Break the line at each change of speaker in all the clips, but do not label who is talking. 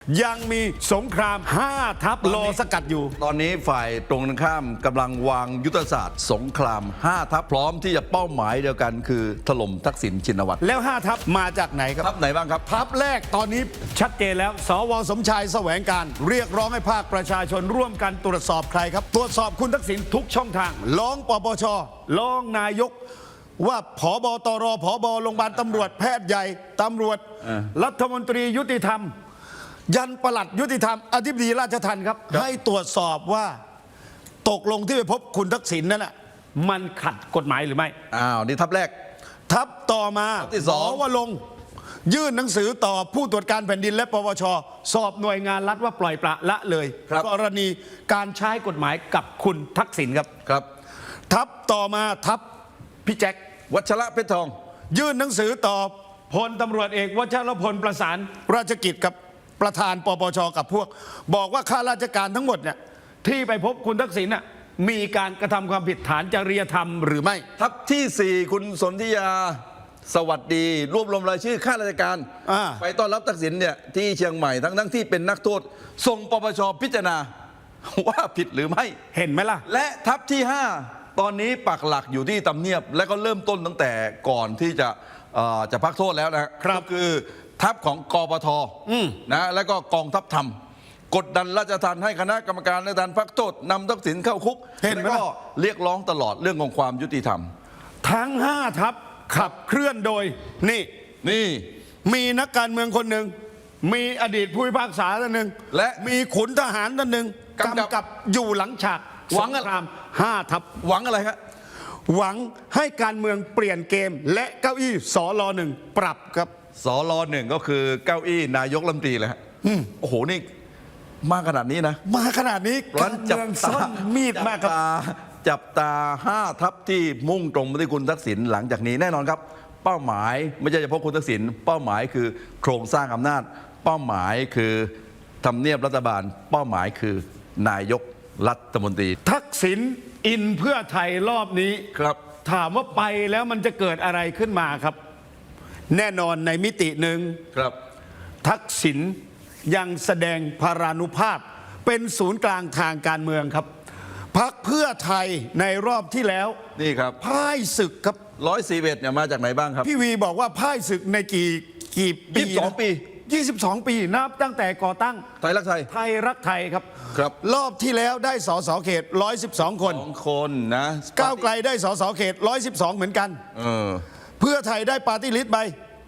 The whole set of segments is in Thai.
ยังมีสงคราม5 ทัพรอสกัดอยู่
ตอนนี้ฝ่ายตรงกันข้ามกำลังวางยุทธศาสตร์สงคราม5 ทัพพร้อมที่จะเป้าหมายเดียวกันคือถล่มทักษิณชินวัตร
แล้ว5 ทัพมาจากไหนครับ
ทัพไหนบ้างครับ
ทัพแรกตอนนี้ชัดเจนแล้วสวสมชายแสวงการเรียกร้องให้ภาคประชาชนร่วมกันตรวจสอบใครครับตรวจสอบคุณทักษิณทุกช่องทางร้องปปชร้องนายกว่าผบตรผบโรงพยาบาลตำรวจแพทย์ใหญ่ตำรวจรัฐมนตรียุติธรรมยันปลัดยุติธรรมอธิบดีราชทัณฑ์ครับให้ตรวจสอบว่าตกลงที่ไปพบคุณทักษิณนั่นน่ะมันขัดกฎหมายหรือไม่
นี่ทัพแรก
ทัพต่อมา
ที่สอง
ว่าลงยื่นหนังสือต่อผู้ตรวจการแผ่นดินและปปชสอบหน่วยงานรัฐว่าปล่อยปละละเลยกรณีการใช้กฎหมายกับคุณทักษิณครับทัพต่อมาทัพพี่แจ็ค
วัชระเพชรทอง
ยื่นหนังสือต่อพลตำรวจเอกวชรพลประสานราชกิจกับประธานปปชกับพวกบอกว่าข้าราชการทั้งหมดเนี่ยที่ไปพบคุณทักษิณน่ะมีการกระทำความผิดฐานจริยธรรมหรือไม่
ทัพที่4คุณสนธิยาสวัสดีรวบรวมรายชื่อข้าราชการไปต้อนรับทักษิณเนี่ยที่เชียงใหม่ทั้งที่เป็นนักโทษส่งปปชพิจารณาว่าผิดหรือไม่
เห็นไหมล่ะ
และทัพที่5ตอนนี้ปักหลักอยู่ที่ทำเนียบและก็เริ่มต้นตั้งแต่ก่อนที่จะพักโทษแล้วนะครับคือทัพของกปทนะแล้วก็กองทัพธรรมกดดันราชทัณฑ์ให้คณะกรรมการราชทัณฑ์พักโทษนำทักษิณเข้าคุกแล้วก็เรียกร้องตลอดเรื่องของความยุติธรรม
ทั้ง5 ทัพขับเคลื่อนโดยนี่มีนักการเมืองคนหนึ่งมีอดีตผู้พิพากษาท่านหนึ่ง
และ
มีขุนทหารท่านหนึ่งกำกับอยู่หลังฉากสงคราม5 ทัพ
หวังอะไรครับ
หวังให้การเมืองเปลี่ยนเกมและเก้าอี้สล1ปรับครับ
สล1ก็คือเก้าอี้นายกรัฐมนตรีเลยฮะโอ้โหนี่มาขนาดนี้นะ
มาขนาดนี้การเมืองซ่อนมีดมากครับ
จับตา5 ทัพที่มุ่งตรงไปที่คุณทักษิณหลังจากนี้แน่นอนครับเป้าหมายไม่ใช่เฉพาะคุณทักษิณเป้าหมายคือโครงสร้างอำนาจเป้าหมายคือทำเนียบรัฐบาลเป้าหมายคือนายกรัฐมนตรี
ทักษิณอินเพื่อไทยรอบนี้
ครับ
ถามว่าไปแล้วมันจะเกิดอะไรขึ้นมาครับแน่นอนในมิติหนึ่ง
ครับ
ทักษิณยังแสดงพารานุภาพเป็นศูนย์กลางทางการเมืองครับพรรคเพื่อไทยในรอบที่แล้ว
นี่ครับ
พ่ายศึกครับ
141เนี่ยมาจากไหนบ้างครับ
พี่วีบอกว่าพ่ายศึกในกี่ปี22 ปีนับตั้งแต่ก่อตั้ง
ไทยรักไทย
รักไทยครับรอบที่แล้วได้สสเขต112
คนนะ
ก้าวไกลได้สสเขต112เหมือนกันเพื่อไทยได้ปาร์ตี้ลิสต์ไป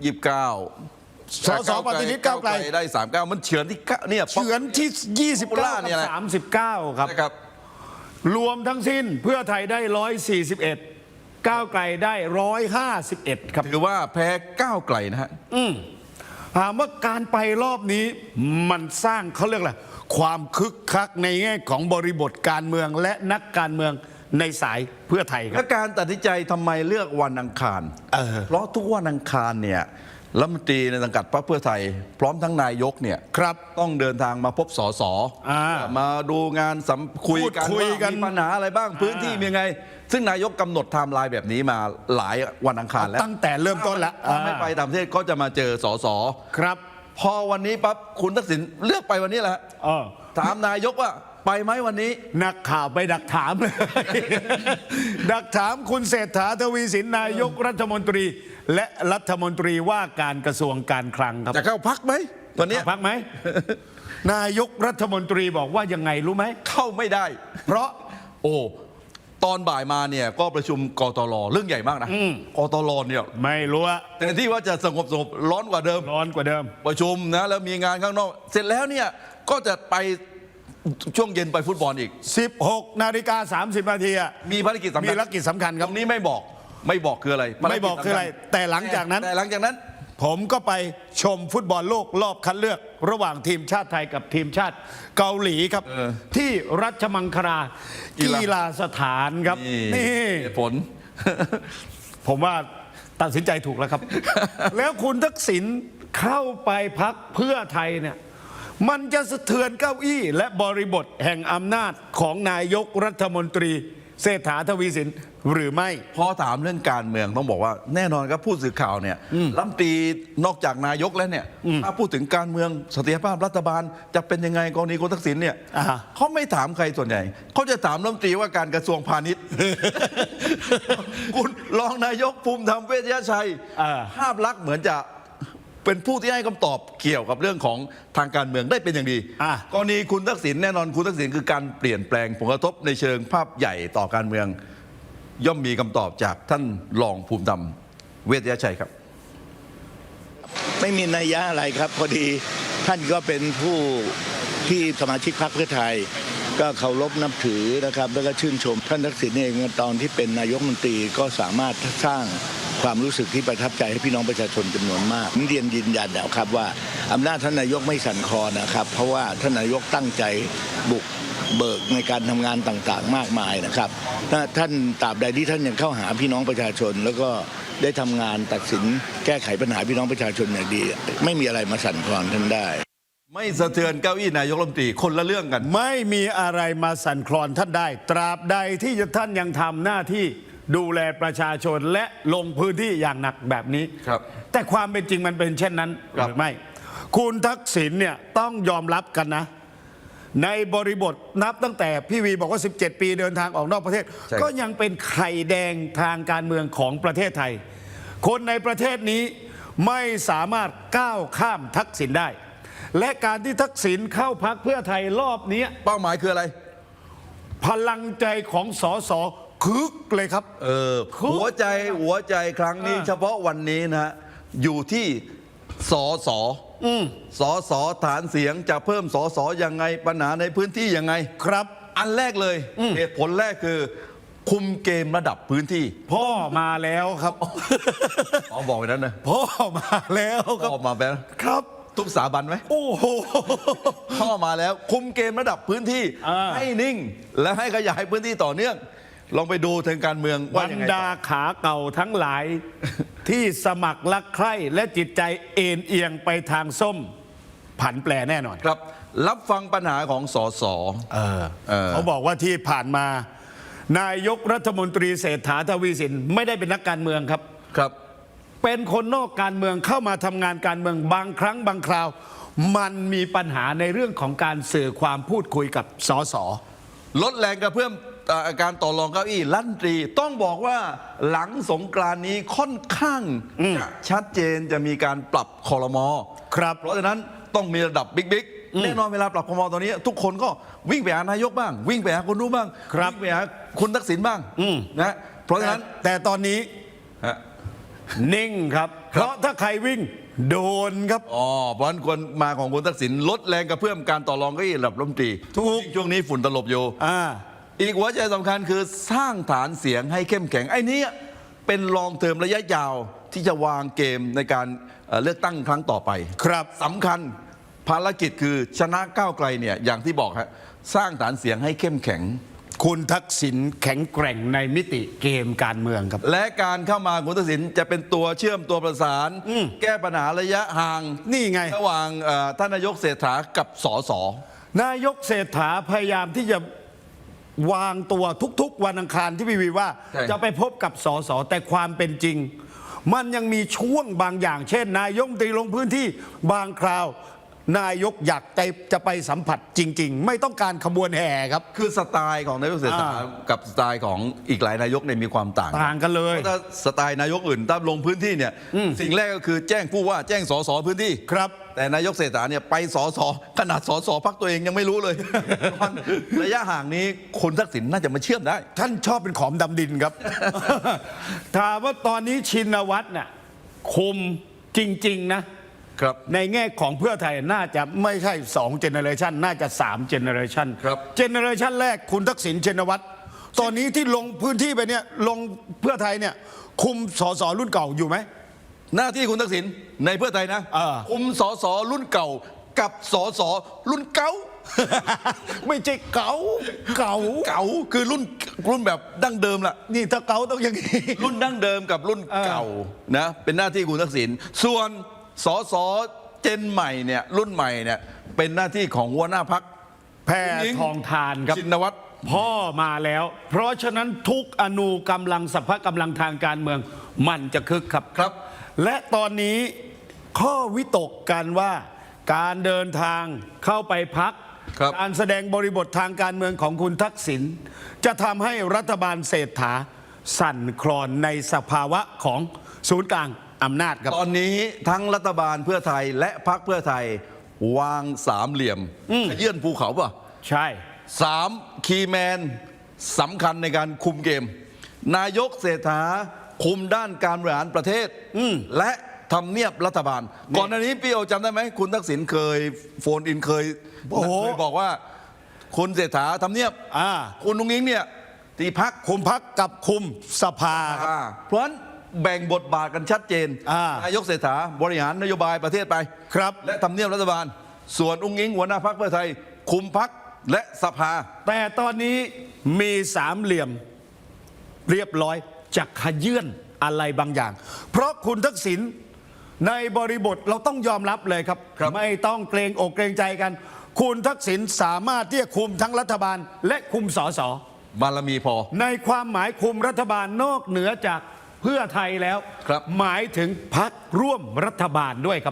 29
สสปฏิริษีก้าวไกล
ได้39มันเฉือนที่เนี่ย
เฉือนที่29กับ39ครับรวมทั้งสิ้นเพื่อไทยได้141ก้าวไกลได้151ครับ
ถือว่าแพ้ก้าวไกลนะฮะ
ถามว่าการไปรอบนี้มันสร้างเขาเรียกอะไรความคึกคักในแง่ของบริบทการเมืองและนักการเมืองในสายเพื่อไทยครับ
และการตัดสินใจทำไมเลือกวันอังคารเพราะทุกวันอังคารเนี่ยรัฐมนตรีในสังกัดพรรคเพื่อไทยพร้อมทั้งนายกเนี่ยต้องเดินทางมาพบสสมาดูงานคุยกันมีปัญหาอะไรบ้างพื้นที่มีไงซึ่งนายกกำหนดไทม์ไลน์แบบนี้มาหลายวันอังคารแล้ว
ตั้งแต่เริ่มต้นแล้ว
ไม่ไปต่างประเทศก็จะมาเจอสส
ครับ
พอวันนี้ปั๊บคุณทักษิณเลือกไปวันนี้แหละถามนายกว่าไปไหมวันนี้
นักข่าวไปดักถามเลยดักถามคุณเศรษฐาทวีสินนายกรัฐมนตรีและรัฐมนตรีว่าการกระทรวงการคลังครับ
จะเข้าพักไหมวันนี้
พักไหมนายกรัฐมนตรีบอกว่ายังไงรู้ไหม
เข้าไม่ได้
เพราะ
ตอนบ่ายมาเนี่ยก็ประชุมกตล.เรื่องใหญ่มากนะกตล.เนี่ย
ไม่รู้
แต่ที่ว่าจะสงบร้อนกว่าเดิมประชุมนะแล้วมีงานข้างนอกเสร็จแล้วเนี่ยก็จะไปช่วงเย็นไปฟุตบอลอีก
16:30 น.
มีภารกิจสำ
คัญครับ
ตรงนี้ไม่บอกคืออะไร
แต่หลังจากนั้นผมก็ไปชมฟุตบอลโลกรอบคัดเลือกระหว่างทีมชาติไทยกับทีมชาติเกาหลีครับที่รัชมังคลากีฬาสถานครับนี่
ผล
ผมว่าตัดสินใจถูกแล้วครับ แล้วคุณทักษิณเข้าไปพรรคเพื่อไทยเนี่ยมันจะสะเทือนเก้าอี้และบริบทแห่งอำนาจของนายกรัฐมนตรีเศรษฐาทวีสินหรือไม่
พอถามเรื่องการเมืองต้องบอกว่าแน่นอนครับผู้สื่อข่าวเนี่ยรัฐมนตรีนอกจากนายกแล้วเนี่ยถ้าพูดถึงการเมืองเสถียรภาพรัฐบาลจะเป็นยังไงกรณีคุณทักษิณเนี่ย
อ่าฮะ
เขาไม่ถามใครส่วนใหญ่เขาจะถามรัฐมนตรีว่าการกระทรวงพาณิชย์ คุณรองนายกภูมิธรรมเวชยชัยภาพลักษณ์เหมือนจะเป็นผู้ที่ให้คำตอบเกี่ยวกับเรื่องของทางการเมืองได้เป็นอย่างดี กรณีคุณทักษิณแน่นอนคุณทักษิณคือการเปลี่ยนแปลงผลกระทบในเชิงภาพใหญ่ต่อการเมือง ย่อมมีคำตอบจากท่านรองภูมิธรรมเวชยชัยครับ
ไม่มีนัยยะอะไรครับ พอดีท่านก็เป็นผู้ที่สมาชิกพรรคเพื่อไทย ก็เคารพนับถือนะครับ แล้วก็ชื่นชม ท่านทักษิณเองตอนที่เป็นนายกรัฐมนตรีก็สามารถสร้างความรู้สึกที่ประทับใจให้พี่น้องประชาชนจำนวนมากผมเรียนยืนยันแล้วครับว่าอำนาจท่านนายกไม่สั่นคลอนนะครับ เพราะว่าท่านนายกตั้งใจบุกเบิกในการทำงานต่างๆ มากมายนะครับถ้าท่านตราบใดที่ท่านยังเข้าหาพี่น้องประชาชน แล้วก็ได้ทำงานตัดสินแก้ไขปัญหาพี่น้องประชาชนอย่างดี ไม่มีอะไรมาสั่นคลอนท่านได้
ไม่สะเทือนเก้าอี้นายกรัฐมนตรีคนละเรื่องกัน
ไม่มีอะไรมาสั่นคลอนท่านได้ ตราบใดที่ท่านยังทำหน้าที่ดูแลประชาชนและลงพื้นที่อย่างหนักแบบนี้
ครับ
แต่ความเป็นจริงมันเป็นเช่นนั้น
ครับ
หรือไม่ คุณทักษิณเนี่ยต้องยอมรับกันนะ ในบริบทนับตั้งแต่พี่วีบอกว่า 17 ปีเดินทางออกนอกประเทศ ก็ยังเป็นไข่แดงทางการเมืองของประเทศไทย คนในประเทศนี้ไม่สามารถก้าวข้ามทักษิณได้ และการที่ทักษิณเข้าพรรคเพื่อไทยรอบนี้
เป้าหมายคืออะไร
พลังใจของสสคึกเลยครับ
หัวใจครั้งนี้เฉพาะวันนี้นะฮะอยู่ที่สสฐานเสียงจะเพิ่มสสยังไงปัญหาในพื้นที่ยังไง
ครับ
อันแรกเลยเหตุผลแรกคือ คุมเกมระดับพื้นที่
พ่อมาแล้วครับ
อ๋อบอกไปนั้นนะ
พ่อมาแล้วครับ
พ่อมาแล้ว
ครับ
ทุกสถาบันไหม
โอ้โห
พ่อมาแล้วคุมเกมระดับพื้นที่ ให้นิ่ง และให้ขยายพื้นที่ต่อเนื่อง ลองไปดูทางการเมือง
บ
ว่าร ยังไง
ดาขาเก่าทั้งหลาย ที่สมัครรักใคร่และจิตใจเอ็นเอียงไปทางส้ม ผันแปรแน่นอน
ครับ รับฟังปัญหาของสส
เขาบอกว่าที่ผ่านมา นายกรัฐมนตรีเศรษฐาทวีสินไม่ได้เป็นนักการเมืองครับ
ครับ
เป็นคนนอกการเมืองเข้ามาทำงานการเมืองบางครั้งบางคราว มันมีปัญหาในเรื่องของการสื่อความพูดคุยกับสส
ลดแรงกระเพื่อมการต่อรองเก้าอี้รัฐมนตรีต้องบอกว่าหลังสงกรานต์นี้ค่อนข้างจะชัดเจนจะมีการปรับคอรมอ
ครับ
เพราะฉะนั้นต้องมีระดับบิ๊กแน่นอนเวลาปรับคอรมอตอนนี้ ทุกคนก็วิ่งไปหานายกบ้าง วิ่งไปหาคนนู้นบ้าง
ครับ
วิ่งไปหาคุณทักษิณบ้างนะเพราะฉะนั้น
แต่ตอนนี้
ฮะ
นิ่งครับ เพราะถ้าใครวิ่งโดนครับ
อ๋อเพราะฉะนั้นควรมาของคุณทักษิณลดแรงกระเพื่อมการต่อรองเก้าอี้ระดับรัฐมนตรี
ถูก
ช่วงนี้ฝุ่นตลบอยู่ อีกหัวใจสำคัญคือสร้างฐานเสียงให้เข้มแข็งไอ้นี้เป็นลองเทอมระยะยาวที่จะวางเกมในการเลือกตั้งครั้งต่อไป
ครับ
สำคัญภารกิจคือชนะก้าวไกลเนี่ยอย่างที่บอกฮะสร้างฐานเสียงให้เข้มแข็ง
คุณทักษิณแข็งแกร่งในมิติเกมการเมืองครับ
และการเข้ามาคุณทักษิณจะเป็นตัวเชื่อมตัวประสาน แก้ปัญหาระยะห่าง
นี่ไง
ระหว่างท่านนายกเศรษฐากับสส
นายกเศรษฐาพยายามที่จะวางตัวทุกๆวันอังคารที่พี่วีว่า
ใช่
จะไปพบกับสสแต่ความเป็นจริง มันยังมีช่วงบางอย่าง เช่น นายกรัฐมนตรีลงพื้นที่บางคราว นายกอยากจะไปสัมผัสจริง ๆ ไม่ต้องการขบวนแห่ครับ
คือสไตล์ของนายกเศรษฐากับสไตล์ของอีกหลายนายกเนี่ยมีความต่าง
ต่างกันเลย
เพราะถ้าสไตล์นายกอื่นถ้าลงพื้นที่เนี่ยสิ่งแรกก็คือแจ้งผู้ว่าแจ้งสสพื้นที่
ครับ
แต่นายกเศรษฐาเนี่ยไปสสขนาดสสพักตัวเองยังไม่รู้เลย ระยะห่างนี้คุณทักษิณน่าจะมาเชื่อมได้
ท่านชอบเป็นขอมดำดินครับ ถามว่าตอนนี้ชินวัตรน่ะคุมจริง ๆ นะ
ครับ
ในแง่ของเพื่อไทยน่าจะไม่ใช่2เจเนอเรชันน่าจะ3เจเนอเรชัน
ครับ
เจเนอเรชันแรกคุณทักษิณชินวัตรตอนนี้ที่ลงพื้นที่ไปเนี่ยลงเพื่อไทยเนี่ยคุมสสรุ่นเก่าอยู่ไหม
หน้าที่คุณทักษิณในเพื่อไทยนะ คุมสสรุ่นเก่ากับสสรุ่นเก่า
ไม่ใช่เก่าเก่า
เก่าคือรุ่นแบบดั้งเดิมล่ะ
นี่ถ้าเก่าต้องอย่างนี้
รุ่นดั้งเดิมกับรุ่นเก่านะเป็นหน้าที่คุณทักษิณส่วนสสเจนใหม่เนี่ยรุ่นใหม่เนี่ยเป็นหน้าที่ของหัวหน้าพัก
แพทองทานครับ
ชินวัตร
พ่อมาแล้ว เพราะฉะนั้นทุกอนูกำลังสรรพกำลังทางการเมืองมันจะคึกครับ
ครับ
และตอนนี้ข้อวิตกกันว่าการเดินทางเข้าไปพัก
ครับ
การแสดงบริบททางการเมืองของคุณทักษิณจะทำให้รัฐบาลเศรษฐาสั่นคลอนในสภาวะของศูนย์กลางอำนาจครับ
ตอนนี้ทั้งรัฐบาลเพื่อไทยและพรรคเพื่อไทยวางสามเหลี่ยมขยื่นภูเขาป่ะ
ใช่
สามคีย์แมนสำคัญในการคุมเกม นายกเศรษฐาคุมด้านการบริหารประเทศและทำเนียบรัฐบาล ก่อนหน้านี้พี่โอจำได้ไหมคุณทักษิณเคยโฟนอินเคย
โอ้โห
เคยบอกว่า คุณเศรษฐาทำเนียบ คุณนุ้งอิงเนี่ยตีพัก
คุมพักกับคุมสภาครับ
เพราะฉะนั้นแบ่งบทบาทกันชัดเจน นายกเศรษฐาบริหารนโยบายประเทศไป
ครับ
และทำเนียบรัฐบาล ส่วนอุ้งอิงหัวหน้าพรรคเพื่อไทย คุมพรรคและสภา
แต่ตอนนี้มีสามเหลี่ยมเรียบร้อยจะขยื่นอะไรบางอย่าง เพราะคุณทักษิณในบริบทเราต้องยอมรับเลยครับ
ครับ
ไม่ต้องเกรงอกเกรงใจกัน คุณทักษิณสามารถที่จะคุมทั้งรัฐบาลและคุมสส
บารมีพอ
ในความหมายคุมรัฐบาลนอกเหนือจากเพื่อไทยแล้ว
ครับ
หมายถึงพรรคร่วมรัฐบาลด้วยครับ